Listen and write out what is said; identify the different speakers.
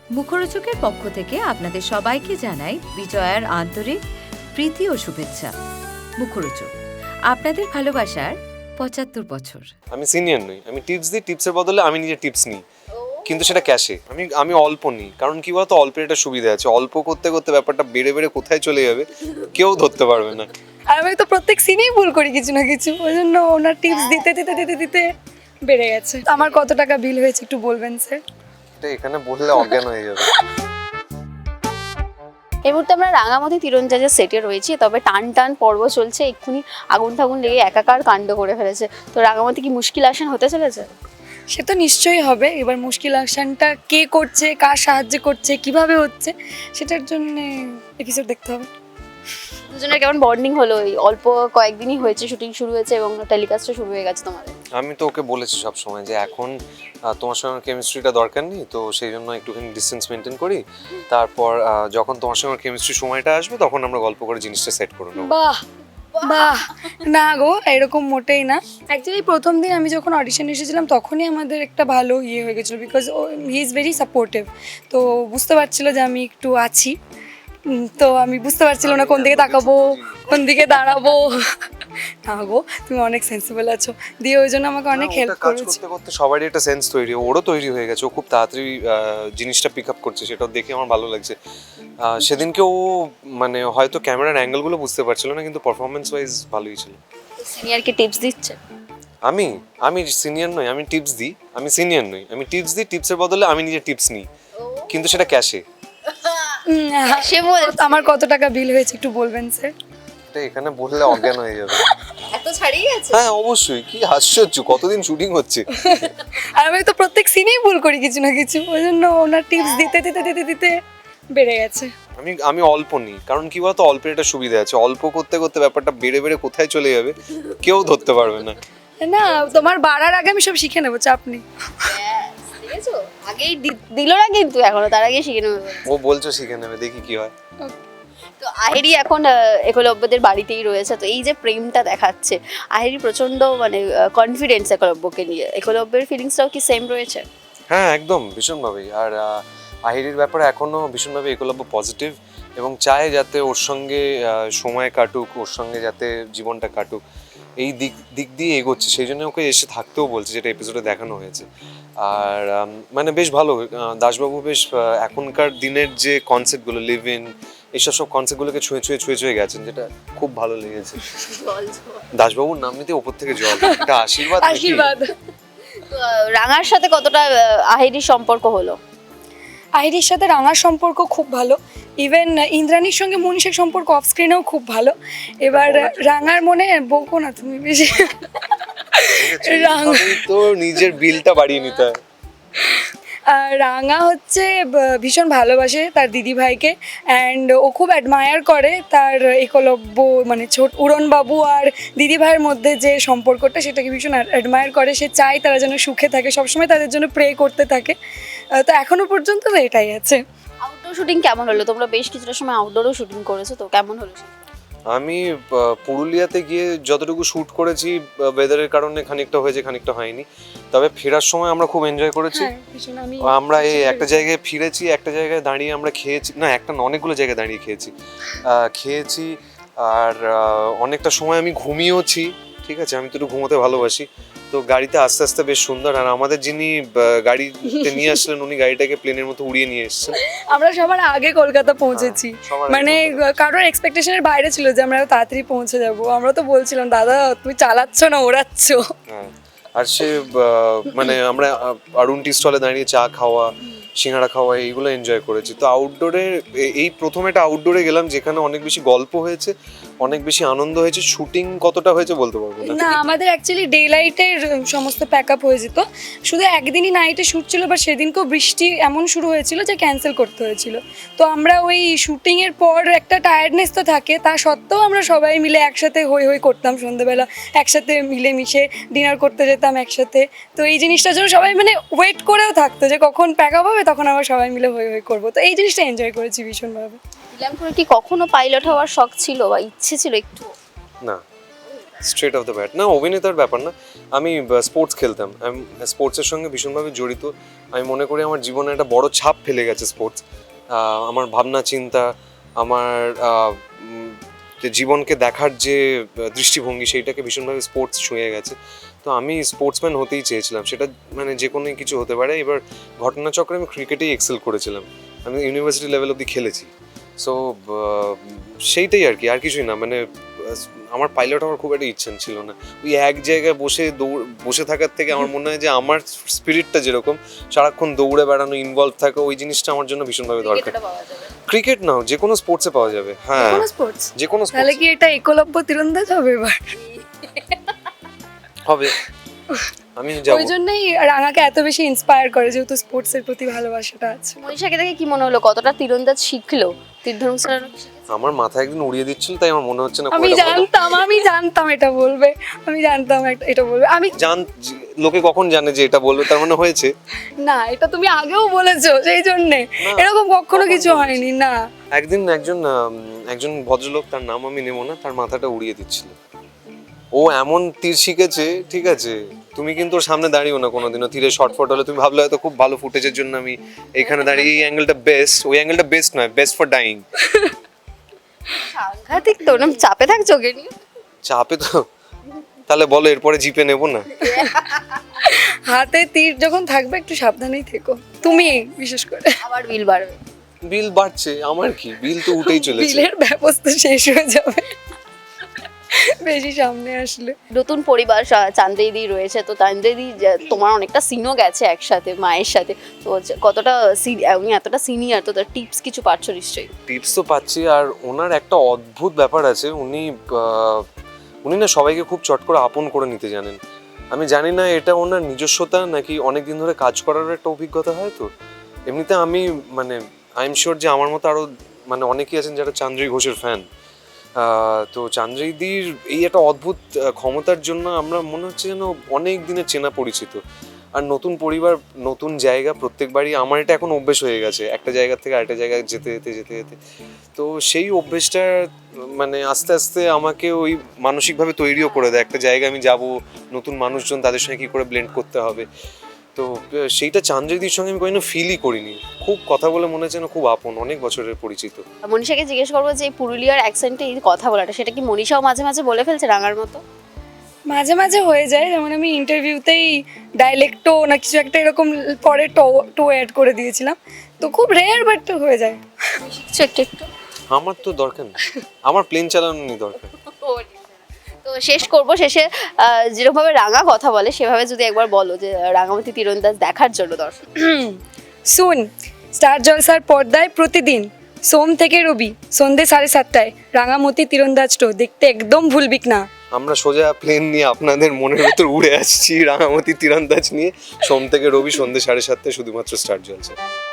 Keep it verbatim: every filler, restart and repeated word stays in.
Speaker 1: মুখরোচকের পক্ষ থেকে আপনাদের সবাইকে জানাই বিজয়ার আন্তরিক প্রীতি ও শুভেচ্ছা। মুখরোচক, আপনাদের ভালোবাসার পঁচাত্তর বছর।
Speaker 2: আমি সিনিয়র নই, আমি টিপস দিই, টিপসের বদলে আমি নিজে টিপস নিই, কিন্তু সেটা ক্যাশে। আমি আমি অল্প নিই, কারণ কি বলতো, অল্পের একটা সুবিধা আছে। অল্প করতে করতে ব্যাপারটা বেড়ে বেড়ে কোথায় চলে যাবে কেউ ধরতে পারবে না।
Speaker 3: আর আমি তো প্রত্যেক সিনেই ভুল করি কিছু না কিছু, ওই জন্য ওনার টিপস দিতে দিতে দিতে দিতে বেড়ে গেছে। তো আমার কত টাকা বিল হয়েছে একটু বলবেন স্যার?
Speaker 2: এটা এখানে বললে অজ্ঞান হয়ে যাবে।
Speaker 4: এই মুহূর্তে আমরা রাঙামাটি তীরন্দাজের সেটে রয়েছি, তবে টান টান পর্ব চলছে, এক্ষুনি আগুন ঠাগুন লেগে একাকার কাণ্ড করে ফেলেছে। তো রাঙামাটি কি মুশকিল আসেন হতে চলেছে?
Speaker 3: সে তো নিশ্চয়ই হবে। এবার মুশকিল আকশনটা কে করছে, কার সাহায্য করছে, কিভাবে হচ্ছে, সেটার জন্য এপিসোড দেখতে হবে।
Speaker 4: দুজনের কেমন বন্ডিং হলো? এই অল্প কয়েকদিনই হয়েছে, শুটিং শুরু হয়েছে এবং টেলিকাস্টও শুরু হয়ে গেছে তোমাদের।
Speaker 2: আমি তো ওকে বলেছি সব সময় যে এখন আহ, তোমার সঙ্গে কেমিস্ট্রিটা দরকার নেই, তো সেই জন্য একটুখানি ডিস্টেন্স মেনটেন করি। তারপর আহ, যখন তোমার সঙ্গে কেমিস্ট্রি সময়টা আসবে তখন আমরা গল্প করে জিনিসটা সেট করে নেবো।
Speaker 3: বাহ বাহ, না গো, এরকম মোটেই না। অ্যাকচুয়ালি প্রথম দিন আমি যখন অডিশন এসেছিলাম তখনই আমাদের একটা ভালো ইয়ে হয়ে গেছিলো, বিকজ ও হি ইজ ভেরি সাপোর্টিভ। তো বুঝতে পারছিল যে আমি একটু আছি, উম, তো আমি বুঝতে পারছিল না কোন দিকে তাকাবো, কোন দিকে দাঁড়াবো। না গো, তুমি অনেক সেন্সিবল আছো, দিয়ে ওই জন্য আমাকে অনেক
Speaker 2: না,
Speaker 3: হেল্প
Speaker 2: ওটা কাজ
Speaker 3: করেছে।
Speaker 2: করতে করতে সবারই একটা সেন্স তৈরি, ওরও তৈরি হয়ে গেছে। ও খুব তাড়াতাড়ি আহ, জিনিসটা পিক আপ করছে, সেটা দেখে আমার ভালো লাগছে। আহ, সেদিনকে ও মানে হয়তো ক্যামেরার অ্যাঙ্গেলগুলো বুঝতে পারছিল না, কিন্তু পারফরমেন্স ওয়াইজ ভালোই ছিল।
Speaker 4: সিনিয়রকে টিপস দিচ্ছে?
Speaker 2: আমি আমি সিনিয়র নই, আমি টিপস দিই। আমি সিনিয়র নই, আমি টিপস দিই, টিপসের বদলে আমি নিজে টিপস নিই, কিন্তু সেটা ক্যাশে।
Speaker 3: উম, হ্যাঁ,
Speaker 4: সে বলে
Speaker 3: আমার কত টাকা বিল হয়েছে একটু বলবেন স্যার?
Speaker 2: এটা এখানে বললে অজ্ঞান হয়ে যাবে।
Speaker 4: এত ছাড়িয়ে গেছে?
Speaker 2: হ্যাঁ অবশ্যই, কি আশ্চর্য, কতদিন শুটিং হচ্ছে।
Speaker 3: আর আমি তো প্রত্যেক সিনেই ভুল করি কিছু না কিছু, ওই জন্য ওনার টিপস দিতে দিতে দিতে দিতে বেড়ে গেছে।
Speaker 2: আমি আমি অল্প নিই, কারণ কি বলতো, অল্পের একটা সুবিধা আছে। অল্প করতে করতে ব্যাপারটা বেড়ে বেড়ে কোথায় চলে যাবে কেউ ধরতে পারবে না।
Speaker 3: না, তোমার বাড়ার আগে আমি সব শিখে নেবো, চাপ নেই।
Speaker 4: দেখেছো, আগেই দি- দিল না কিন্তু, এখনো তার আগে শিখে নেবে।
Speaker 2: ও বলছো শিখে নেবে, দেখি কি হয়।
Speaker 4: তো আহেরি এখন আহ, একলব্যদের বাড়িতেই রয়েছে। তো এই যে প্রেমটা দেখাচ্ছে, আহেরি প্রচন্ড মানে কনফিডেন্স একলব্যকে নিয়ে, একলব্যের ফিলিংসটাও কি সেম রয়েছে?
Speaker 2: হ্যাঁ একদম, ভীষণভাবেই। আর আহ, আহিরির ব্যাপারে এখনো ভীষণভাবে একলব্য পজিটিভ এবং চায় যাতে ওর সঙ্গে আহ, সময় কাটুক, ওর সঙ্গে যাতে জীবনটা কাটুক, এই দিক দিক দিয়ে এগোচ্ছে। সেই জন্য ওকে এসে থাকতেও বলছে, যেটা এপিসোডে দেখানো হয়েছে। আর আম, মানে বেশ ভালো। আহ, দাসবাবু বেশ আহ, এখনকার দিনের যে কনসেপ্টগুলো, লিভ ইন, এইসব সব কনসেপ্টগুলোকে ছুঁয়ে ছুঁয়ে ছুঁয়ে ছুঁয়ে গেছেন, যেটা খুব ভালো লেগেছে। দাসবাবুর নাম নিতে ওপর থেকে জল, এটা আশীর্বাদ নাকি?
Speaker 3: আশীর্বাদ।
Speaker 4: তো আহ, রাঙার সাথে কতটা আহ, আহেরির সম্পর্ক হলো?
Speaker 3: আহিরির সাথে রাঙার সম্পর্ক খুব ভালো, ইভেন ইন্দ্রাণীর সঙ্গে মনীষের সম্পর্ক অফ স্ক্রিনেও খুব ভালো। এবার রাঙার মনে বকো না তুমি বেশি। রাঙা
Speaker 2: এইভাবেই তো নিজের বিলটা বাড়িয়ে নিতে হয়।
Speaker 3: আর রাঙা হচ্ছে ব- ভীষণ ভালোবাসে তার দিদি ভাইকে, অ্যান্ড ও খুব অ্যাডমায়ার করে তার একলব্য, মানে ছোট উড়নবাবু আর দিদি ভাইয়ের মধ্যে যে সম্পর্কটা, সেটাকে ভীষণ অ্যাডমায়ার করে। সে চায় তারা যেন সুখে থাকে, সবসময় তাদের জন্য প্রে করতে থাকে। আহ, তো এখনো পর্যন্ত তো এটাই আছে।
Speaker 4: আউটডোর শুটিং কেমন হলো? তোমরা বেশ কিছুটা সময় আউটডোরও শুটিং করেছো, তো কেমন হলো?
Speaker 2: আমি আহ, পুরুলিয়াতে গিয়ে যতটুকু শ্যুট করেছি, ওয়েদারের কারণে খানিকটা হয়েছে, খানিকটা হয়নি। তবে ফেরার সময় আমরা খুব এনজয় করেছি।
Speaker 3: হ্যাঁ, ভীষণ। আমি
Speaker 2: আমরা এই একটা জায়গায় ফিরেছি, একটা জায়গায় দাঁড়িয়ে আমরা খেয়েছি, না একটা না, অনেকগুলো জায়গায় দাঁড়িয়ে খেয়েছি। আহ, খেয়েছি আর আহ, অনেকটা সময় আমি ঘুমিয়েওছি। ঠিক আছে, আমি তো একটু ঘুমোতে ভালোবাসি। তো গাড়িতে আস্তে আস্তে বেশ সুন্দর। আর আমাদের যিনি আহ, গাড়িতে নিয়ে আসলেন, উনি গাড়িটাকে প্লেনের মতো উড়িয়ে নিয়ে এসেছেন।
Speaker 3: আমরা সবার আগে কলকাতা পৌঁছেছি,
Speaker 2: হ্যাঁ, সবার আগে
Speaker 3: মানে কারোর এক্সপেকটেশনের বাইরে ছিল যে আমরা তাড়াতাড়ি পৌঁছে যাব। আমরা তো বলছিলাম, দাদা তুমি চালাচ্ছ না ওড়াচ্ছ।
Speaker 2: হ্যাঁ, আর সে আহ, মানে আমরা আহ, অরুণ টি স্টলে দাঁড়িয়ে চা খাওয়া, সিঙ্গাড়া খাওয়া, এইগুলো এনজয় করেছি। তো আউটডোরে এই প্রথম একটা আউটডোরে গেলাম, যেখানে অনেক বেশি গল্প হয়েছে, অনেক বেশি আনন্দ হয়েছে। শুটিং কতটা হয়েছে বলতে পারবো না।
Speaker 3: না, আমাদের অ্যাকচুয়ালি ডে লাইটের সমস্ত প্যাক আপ হয়ে যেত, শুধু একদিনই নাইটে শ্যুট ছিল, বা সেদিনকেও বৃষ্টি এমন শুরু হয়েছিল যে ক্যান্সেল করতে হয়েছিল। তো আমরা ওই শুটিংয়ের পর একটা টায়ার্ডনেস তো থাকে, তা সত্ত্বেও আমরা সবাই মিলে একসাথে হই হই করতাম, সন্ধ্যেবেলা একসাথে মিলে মিশে ডিনার করতে যেতাম একসাথে। তো এই জিনিসটার জন্য সবাই মানে ওয়েট করেও থাকতো যে কখন প্যাক আপ হবে, তখন আবার সবাই মিলে হই হই করবো। তো এই জিনিসটা এনজয় করেছি ভীষণভাবে।
Speaker 4: ইলামপুরে কি কখনো পাইলট হওয়ার শখ ছিল বা ইচ্ছে ছিল একটু?
Speaker 2: না, স্ট্রেট অফ দ্য ব্যাট না, অভিনেতার ব্যাপার না। আমি স্পোর্টস খেলতাম, আমি স্পোর্টসের সঙ্গে ভীষণভাবে জড়িত। আমি মনে করি আমার জীবনে একটা বড় ছাপ ফেলে গেছে স্পোর্টস। আমার ভাবনা চিন্তা, আমার আহ, উম, যে জীবনকে দেখার যে দৃষ্টিভঙ্গি, সেইটাকে ভীষণভাবে স্পোর্টস ছুঁয়ে গেছে। তো আমি স্পোর্টসম্যান হতেই চেয়েছিলাম, সেটা মানে যে কোনো কিছু হতে পারে। এবার ঘটনাচক্রে আমি ক্রিকেটেই এক্সেল করেছিলাম, আমি ইউনিভার্সিটি লেভেল অবধি খেলেছি। সো সেইটাই আর কি, আর কিছুই না। মানে আহ, আমার পাইলট হওয়ার খুব একটা ইচ্ছা ছিল না। ওই এক জায়গায় বসে দৌড় বসে থাকার থেকে আমার মনে হয় যে আমার স্পিরিটটা যেরকম, সারাক্ষণ দৌড়ে বেড়ানো, ইনভলভ থাকা, ওই জিনিসটা আমার জন্য ভীষণভাবে দরকার।
Speaker 4: ক্রিকেটটা পাওয়া যাবে।
Speaker 2: ক্রিকেট নাও, যে কোনো স্পোর্টসে পাওয়া যাবে। হ্যাঁ,
Speaker 3: কোনো স্পোর্টস
Speaker 2: যে কোনো
Speaker 3: তাহলে
Speaker 2: স্পোর্টস
Speaker 3: কি এটা একলব্য তীরন্দাজ হবে এবার?
Speaker 2: হবে, আমি যাবো।
Speaker 3: ওই জন্যই রাঙাকে এত বেশি ইন্সপায়ার করে, যেহেতু স্পোর্টসের প্রতি ভালোবাসাটা আছে।
Speaker 4: মনীষাকে দেখে কি মনে হলো, কতটা তীরন্দাজ শিখলো, তীর ধনুক চালানো কি শিখেছে?
Speaker 2: আমার মাথায় একদিন উড়িয়ে দিচ্ছিল, তাই আমার মনে হচ্ছে না
Speaker 3: আমি
Speaker 2: খুব একটা ভালো।
Speaker 3: জানতাম আমি জানতাম এটা বলবে, আমি জানতাম একটা- এটা বলবে। আমি
Speaker 2: জান, লোকে কখন জানে যে এটা বলবে, তার মানে হয়েছে।
Speaker 3: না, এটা তুমি আগেও বলেছো, সেই জন্যে এরকম কখনো কিছু হয়নি না।
Speaker 2: একদিন একজন আম, একজন ভদ্রলোক, তার নাম আমি নেব না, তার মাথাটা উড়িয়ে দিচ্ছিল। ও এমন তীর শিখেছে, ঠিক আছে, তুমি কিন্তু ওর সামনে দাঁড়িও না কোনোদিনও। তীরে শর্ট ফট হলে তুমি ভাবলে হয়তো খুব ভালো ফুটেজের জন্য আমি এখানে দাঁড়িয়ে, এই অ্যাঙ্গেলটা বেস্ট, ওই অ্যাঙ্গেলটা বেস্ট নয়, বেস্ট ফর ডাইং।
Speaker 4: সাংঘাতিক তো, ওরম চাপে থাকছো ওকে নিয়ে?
Speaker 2: চাপে তো, তাহলে বলো এরপরে জিপে নেবো না?
Speaker 3: হাতে তীর যখন থাকবে একটু সাবধানেই থেকো, তুমি বিশেষ করে।
Speaker 4: আবার বিল বাড়বে।
Speaker 2: বিল বাড়ছে, আমার কি, বিল তো উঠেই চলেছে।
Speaker 3: বিলের ব্যবস্থা শেষ হয়ে যাবে বেশি সামনে আসলে।
Speaker 4: নতুন পরিবার সা- চান্দ্রিদি রয়েছে, তো চান্দ্রিদি যে- তোমার অনেকটা সিনও গেছে একসাথে মায়ের সাথে, তো যে- কতটা সি- উনি এতটা সিনিয়র, তো তার টিপস কিছু পাচ্ছ নিশ্চয়ই।
Speaker 2: টিপস তো পাচ্ছি, আর ওনার একটা অদ্ভুত ব্যাপার আছে, উনি আহ, উনি না সবাইকে খুব চট করে আপন করে নিতে জানেন। আমি জানি না এটা ওনার নিজস্বতা নাকি অনেক দিন ধরে কাজ করার একটা অভিজ্ঞতা হয়। তো এমনিতে আমি মানে আই এম শিওর যে আমার মতো আরও মানে অনেকেই আছেন যারা চান্দ্রী ঘোষের ফ্যান। তো চান্দ্রীদির এই একটা অদ্ভুত আহ, ক্ষমতার জন্য আমরা মনে হচ্ছে যেন অনেক দিনের চেনা পরিচিত। আর নতুন পরিবার, নতুন জায়গা, প্রত্যেকবারই আমার এটা এখন অভ্যেস হয়ে গেছে, একটা জায়গা থেকে আরেকটা জায়গায় যেতে যেতে যেতে যেতে। তো সেই অভ্যেসটা মানে আস্তে আস্তে আমাকে ওই মানসিকভাবে তৈরিও করে দেয়। একটা জায়গায় আমি যাব, নতুন মানুষজন, তাদের সঙ্গে কী করে ব্লেন্ড করতে হবে। তো আহ, সেইটা চান্দ্রীদির সঙ্গে আমি কোনোদিনও ফিলই করিনি। খুব কথা বলে মনে হচ্ছে না খুব আপন, অনেক বছরের পরিচিত।
Speaker 4: মনীষাকে জিজ্ঞেস করবো যে এই পুরুলিয়ার অ্যাকসেন্টে এই কথা বলাটা, সেটা কি মনীষাও মাঝে মাঝে বলে ফেলছে রাঙার মতো?
Speaker 3: মাঝে মাঝে হয়ে যায়, যেমন আমি ইন্টারভিউতেই ডাইলেক্টো না কিছু একটা এরকম পরে টো টো অ্যাড করে দিয়েছিলাম, তো খুব রেয়ার বাট হয়ে যায়।
Speaker 4: শিখছো একটু একটু?
Speaker 2: আমার তো দরকার নেই, আমার প্লেন চালানো নেই দরকার।
Speaker 4: তো শেষ করবো, শেষে আহ, যেরকমভাবে রাঙা কথা বলে সেভাবে যদি একবার বলো যে রাঙামাটি তীরন্দাজ দেখার জন্য দর্শক।
Speaker 3: শুন, স্টার জলসার পর্দায় প্রতিদিন সোম থেকে রবি সন্ধে সাড়ে সাতটায় রাঙামতি তীরন্দাজ শো দেখতে একদম ভুলবিক না।
Speaker 2: আমরা সোজা প্লেন নিয়ে আপনাদের মনের ভেতর উড়ে আসছি রাঙামাটি তীরন্দাজ নিয়ে, সোম থেকে রবি সন্ধ্যে সাড়ে সাতটায় শুধুমাত্র স্টার জলসা।